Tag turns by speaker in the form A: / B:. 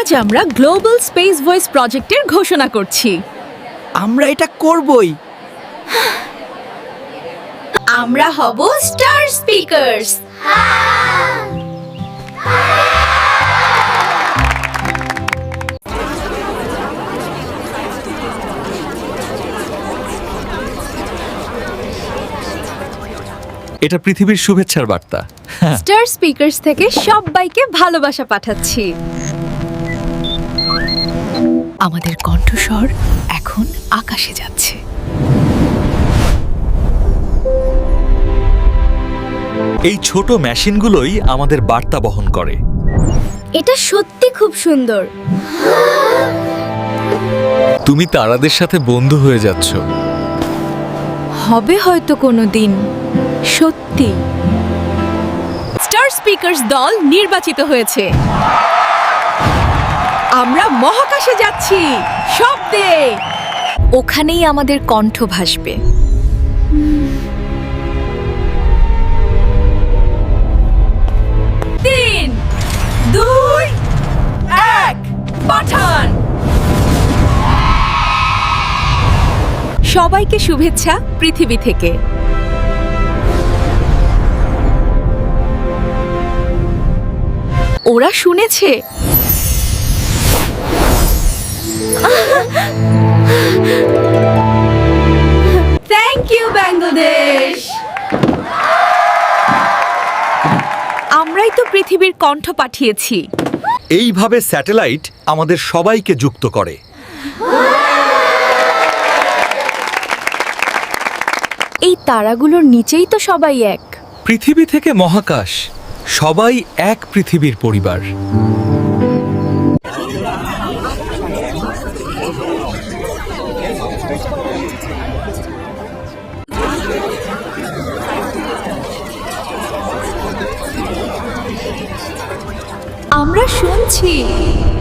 A: আজ আমরা global space voice প্রজেক্টের ঘোষণা করছি।
B: আমরা এটা করবই।
A: আমরা হব স্টার স্পিকারস।
C: এটা পৃথিবীর শুভেচ্ছার বার্তা।
A: স্টার স্পিকারস থেকে সবাইকে ভালোবাসা পাঠাচ্ছি। আমাদের কণ্ঠস্বর এখন আকাশে যাচ্ছে।
C: এই ছোট মেশিনগুলোই আমাদের বার্তা বহন করে।
A: এটা সত্যি খুব সুন্দর।
C: তুমি তারাদের সাথে বন্ধু হয়ে যাচ্ছ।
A: হবে হয়তো কোনোদিন সত্যি। স্টার স্পিকারস দল নির্বাচিত হয়েছে। আমরা মহাকাশে যাচ্ছি শব্দে। ওখানেই আমাদের কণ্ঠ ভাসবে। 3, 2, 1 পাঠান। সবাইকে শুভেচ্ছা পৃথিবী থেকে। ওরা শুনেছে। Thank you Bangladesh. আমরাই তো পৃথিবীর কণ্ঠ পাঠিয়েছি।
C: এইভাবে স্যাটেলাইট আমাদের সবাইকে যুক্ত করে।
A: এই তারাগুলোর নিচেই তো সবাই এক।
C: পৃথিবী থেকে মহাকাশ, সবাই এক পৃথিবীর পরিবার।
A: আমরা শুনছি।